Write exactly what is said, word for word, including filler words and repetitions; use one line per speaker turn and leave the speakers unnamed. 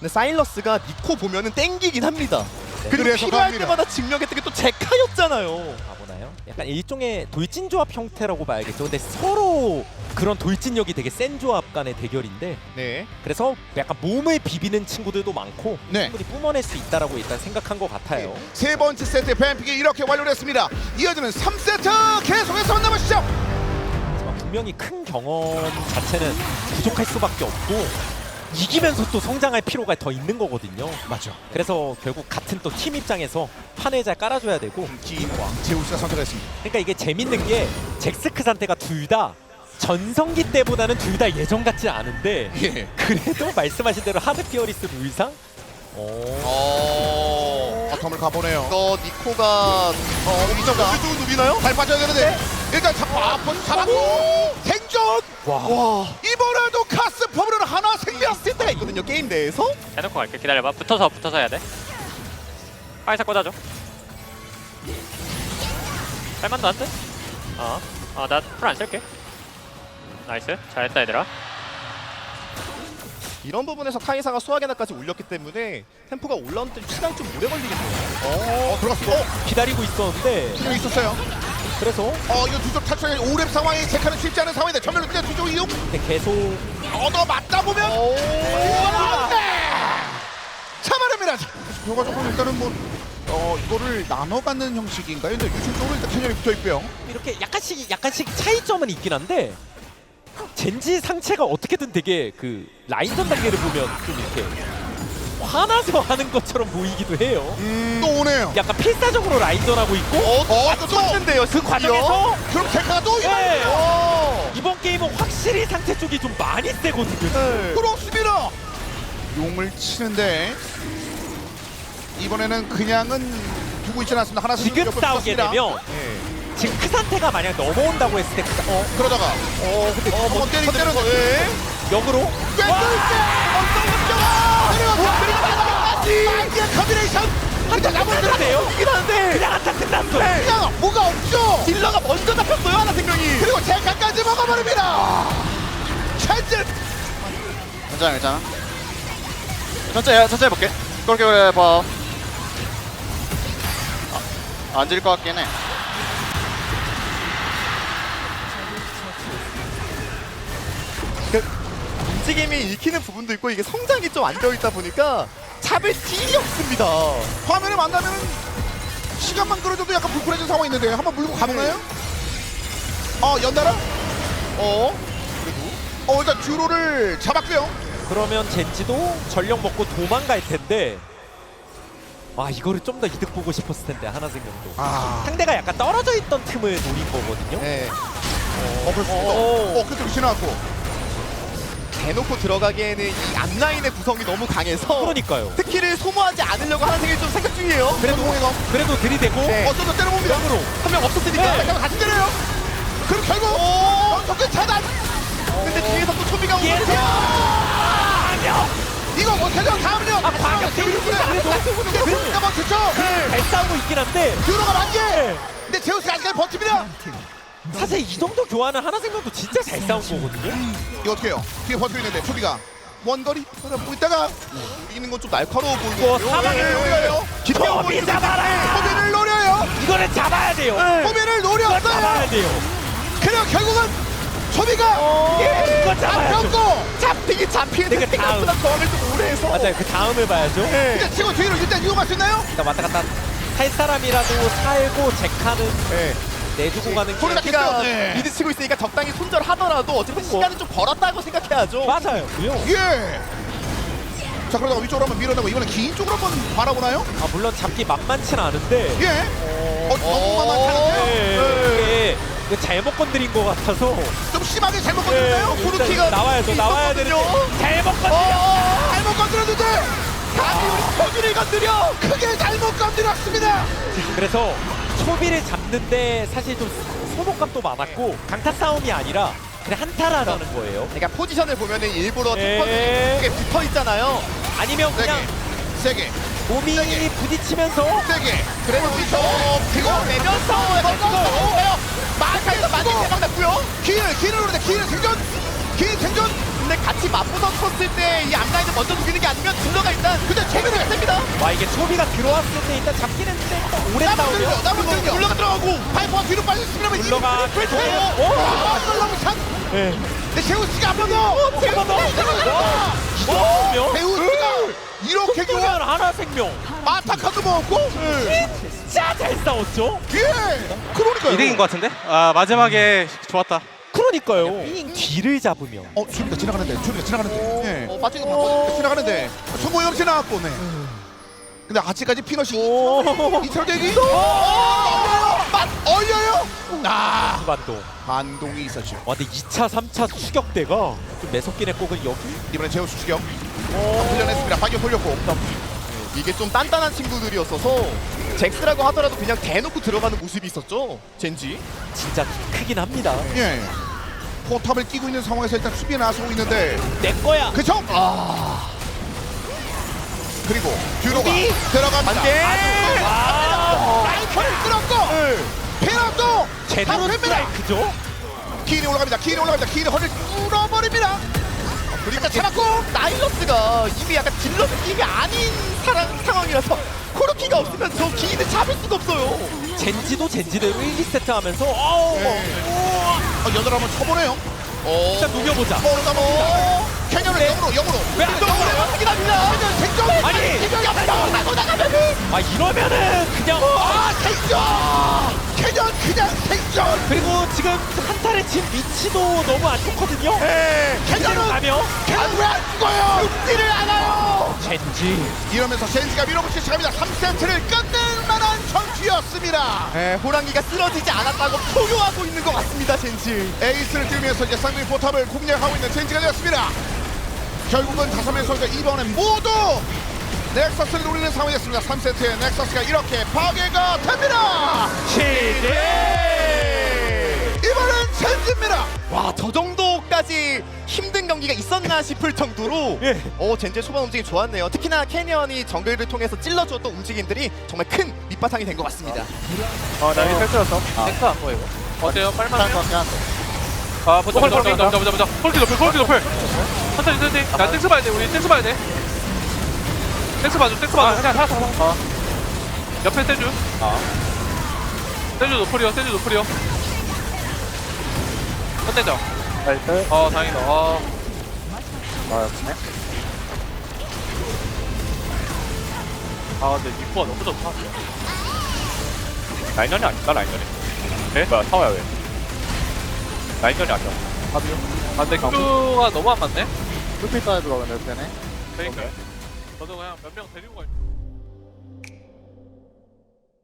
근데 사일러스가 니코 보면은 땡기긴 합니다.
네.
그리고
그래서
필요할
갑니다.
때마다 증명했던 게 또 제카였잖아요.
가보나요? 약간 일종의 돌진 조합 형태라고 봐야겠죠. 근데 서로 그런 돌진력이 되게 센 조합 간의 대결인데
네.
그래서 약간 몸을 비비는 친구들도 많고
네.
충분히 뿜어낼 수 있다라고 일단 생각한 것 같아요.
세 번째 세트의 뱀픽이 이렇게 완료됐습니다. 이어지는 삼 세트 계속해서 만나보시죠.
하지만 분명히 큰 경험 자체는 부족할 수밖에 없고 이기면서 또 성장할 필요가 더 있는 거거든요.
맞죠.
그래서 결국 같은 또 팀 입장에서 판을 잘 깔아줘야 되고
기인과 제우스가 선택했습니다.
그러니까 이게 재밌는 게 잭스크 상태가 둘 다 전성기 때보다는 둘 다 예전 같지 않은데
예.
그래도 말씀하신 대로 하드 피어리스 룰상 오.
어.
바텀을 가보네요.
이거 니코가 어
이정가.
누구 누비나요?
잘 빠져야 되는데 일단 잡아 잡았고 생존.
와.
와.
이번에도 카스 퍼블은 하나 생명.
있을 때가 있거든요 게임 내에서.
해놓고 갈게. 기다려봐. 붙어서 붙어서 해야 돼. 파이사 꽂아줘. 할만도 안 돼? 어. 어, 나 풀 안 쓸게. 나이스. 잘했다 얘들아.
이런 부분에서 카이사가 수학에나까지 올렸기 때문에 템포가 올라오는 데 시간이 좀 오래 걸리겠네요.
어, 들어갔어. 어,
기다리고 있었는데
분명 있었어요.
그래서
어, 이거 두쪽 탈출이 오랩 상황이 체크는 쉽지 않은 상황인데 전면으로 뛰어 두쪽 이용.
근데 계속
얻어 맞다 보면
오.
참아냅니다. 결과 조금 일단은 뭐 어, 이거를 나눠 갖는 형식인가요? 근데 유충 쪽으로 일단 캐년이 붙어 있고요.
이렇게 약간씩 약간씩 차이점은 있긴 한데 젠지 상체가 어떻게든 되게 그 라인전 단계를 보면 좀 이렇게 화나서 하는 것처럼 보이기도 해요.
또 오네요.
약간 필사적으로 라인전하고 있고
어, 또
쳤는데요.
그 과정에서
그럼 데카가 또
네.
이번에
이번 게임은 확실히 상체 쪽이 좀 많이 세거든요.
네.
그렇습니다. 용을 치는데 이번에는 그냥은 두고 있지 않았습니다. 하나
지금 싸우게 되면
예.
지금 크 상태가 만약 넘어온다고 했을 때 크- 어,
그러다가
어 근데
어, 뭐 때리기 때려서 예.
역으로
뺏을 때 어떤 문제가 내려가 이게 커비네이션 근데 나머지
끝났네요.
이긴 한데
그냥 한타 끝났어.
그냥 뭐가 없죠.
딜러가 먼저 잡혔어요 하나 생명이.
그리고 제카까지 먹어버립니다. 캔슬.
괜찮아 괜찮아 천천히 천천히 해볼게 그렇게 그래 봐 아, 안 질 것 같긴 해
움직임이 읽히는 부분도 있고 이게 성장이 좀 안 되어 있다 보니까 잡을 딜이 없습니다.
화면에 만나면 시간만 끌어줘도 약간 불편해진 상황이 있는데 한번 물고 가보나요? 어 연달아? 어? 그래도? 어 일단 듀로를 잡았고요.
그러면 젠지도 전력 먹고 도망갈 텐데 아 이거를 좀 더 이득 보고 싶었을 텐데 하나 생각도
아.
상대가 약간 떨어져 있던 틈을 노린 거거든요.
네.
어 그렇습니다.
어.
어 그때 위치 나왔고.
대놓고 들어가기에는 이 앞라인의 구성이 너무 강해서
그러니까요.
스킬을 소모하지 않으려고 하는 생각이 좀 생각 중이에요.
그래도
공에서
그래도 들이대고
네.
어쩌다 때려봅니다.
역으로
한 명 없었으니까.
네.
잠깐만 다시 때려요. 그럼 결국 연속의 차단.
근데 뒤에서 또 초비가 오거든요.
예상 아니요.
이거 못해요. 다음은요.
아 방역
그래.
그래도
그러니까 못했죠.
잘 싸우고 있긴 한데
듀로가 만개.
네.
근데 제우스가 아직까지 버팁니다.
사실 이 정도 교환은 하나 생각도 진짜 잘 싸운 거거든요.
이거 어떻게 해요? 뒤에 버티고 있는데 초비가 원거리 보고 있다가
이기는 건 좀 날카로워
뭐
보이고.
사방에
노려요.
초비 잡아라.
초비를 노려요.
이거는 잡아야 돼요.
초비를
이거
노렸어요.
잡아야 돼요.
그리고 결국은 초비가
예, 이거 잡아야죠.
잡혔고
잡히긴 잡히는데
내가
생각보다 저항을 좀 오래 해서.
맞아요. 그 다음을 봐야죠.
근데 치고 뒤로 일단 이용할 수 있나요?
일단 왔다 갔다 할 사람이라도 살고 제카는
네.
내주고 가는 게
소리가
키가
네.
미드 치고 있으니까 적당히 손절하더라도 어쨌든
뭐.
시간을 좀 벌었다고 생각해야죠.
맞아요. 그요.
예. 자 그러다가 위쪽으로 한번 밀어내고 이번엔 긴 쪽으로 한번 바라보나요?
아 물론 잡기 만만치는 않은데
예. 어, 너무 만만찮은데요?
네, 이게 이거 잘못 건드린 것 같아서
좀 심하게 잘못
네,
건드렸나요?
일단
코르키가
나와야죠. 나와야 되는데
있었거든요.
잘못 건드려.
어, 잘못 건드렸는데
감히 우리 서준을 건드려.
크게 잘못 건드렸습니다.
그래서 초비를 잡는데 사실 좀 소모감도 많았고 강타 싸움이 아니라 그냥 한타라는 거예요.
그러니까 포지션을 보면은 일부러
네.
템퍼들이 붙어 있잖아요.
아니면 그냥
세게, 세게,
몸이
세게.
부딪히면서
세게.
그래도
그렇죠.
그거 내면서 마카에서 많이 대박 났고요.
길을, 길을 노리는데 길을 생존, 길 생존.
근데 같이 맞붙었을 때 이 앞라인을 먼저 죽이는 게 아니면 딜러가 일단 근데 최근에 됩니다.
와 이게 초비가 들어왔을 때 일단 잡긴 했는데 일단 오래
남은
싸우면
남은 들려. 올라가 들어가고 파이퍼가 뒤로 빠졌으면
룰러가
그렇죠.
계속-
아, 이걸 너무 참.
네.
근데 제우스가 한 번 더.
한번 더. 와, 와,
제우스가 이렇게
생명
교환
하나 생명.
아타카도 먹었고.
진짜 잘 싸웠죠.
예. 그러니까요.
이득인 것 같은데? 아 마지막에 좋았다.
그러니까요. 뒤를 잡으면
어, 수비가 지나가는데, 수비가 지나가는데. 예.
어, 빠진 거
어,
바꿔.
지나가는데. 성공 없이 나왔고, 네. 근데 아직까지 피넛이 이철 대기. 맛 얼려요. 아,
반동.
반동이 있었죠.
와 근데 이 차, 삼 차 추격대가 좀 매섭긴 했고 그 여기
이번엔 제우스 추격. 훈련했습니다. 방역 돌렸고.
이게 좀 단단한 친구들이었어서 잭스라고 하더라도 그냥 대놓고 들어가는 모습이 있었죠. 젠지.
진짜 크긴 합니다.
예. 포탑을 끼고 있는 상황에서 일단 수비에 나서고 있는데.
내 거야.
그쵸? 아. 그리고 듀로가 들어갑니다.
반대.
와.
라이커를 끌었고. 피넛도
제대로
잡힙니다.
스트라이크죠.
키인이 올라갑니다. 키인이 올라갑니다. 키인이 허리를 뚫어버립니다. 그리고 잡았고.
나일러스가 이미 약간 딜러 느낌이 아닌 사람, 상황이라서 코르키가 없으면 저 기인을 잡을 수가 없어요.
젠지도 젠지대로 일, 이 세트 하면서 어우
어, 여덟 한번 쳐보네요.
어.
일단 녹여보자.
모르다 봅니다. 캐년을 영으로 영으로.
왜안
영으로
넘어가요?
확인합니다. 캐년 생존.
아니!
캐년이 앞서 나고 나가면은.
아 이러면은 그냥
아 생존. 캐년 그냥 생존.
그리고 지금 한타를 친 위치도 너무 안 좋거든요. 젠지로
캐년은
가면
캐년 왜안 죽어요? 죽지를 않아요.
젠지
이러면서 젠지가 밀어붙이 시작합니다. 삼 세트를 끝낼 만한 전투였습니다.
에, 호랑이가 쓰러지지 않았다고 포효하고 있는 것 같습니다, 젠지.
에이스를 띄우면서 이제 쌍둥이 포탑을 공략하고 있는 젠지가 되었습니다. 결국은 다섯 명 선수가 이번엔 모두 넥서스를 노리는 상황이었습니다. 삼 세트에 넥서스가 이렇게 파괴가 됩니다.
시대.
이번엔 젠지입니다.
와, 저 정도까지 힘든 경기가 있었나 싶을 정도로
예.
어, 젠지의 초반 움직임 좋았네요. 특히나 캐니언이 정글을 통해서 찔러주었던 움직임들이 정말 큰 밑바탕이 된 것 같습니다.
어나 이거 펼쳐졌어. 탱크 안 보여 이거. 어때요? 빨만해요? 아 보자 보자 보자 보자 보자 보자. 폴키 높을 폴키 높을. 천천히 천천히. 야 땡스 봐야 돼. 우리 땡스 봐야 돼. 땡스 봐줘 땡스 봐줘. 그냥 살았어 살았어. 옆에 세주. 세주 노플이요 세주 노플이요. 컨텐져. 나이스. 어 다행이다. 어. 아 역시네. 아 근데 니코가 너무 좋다. 라인전이 아니다 라인전이. 네? 뭐야 타워야 왜? 라인전이 아니야. 아비요? 아 근데 큐가 너무 안 맞네? 풀필 따야 들어가네 되네. 그러니까. 저도 그냥 몇 명 데리고 갈.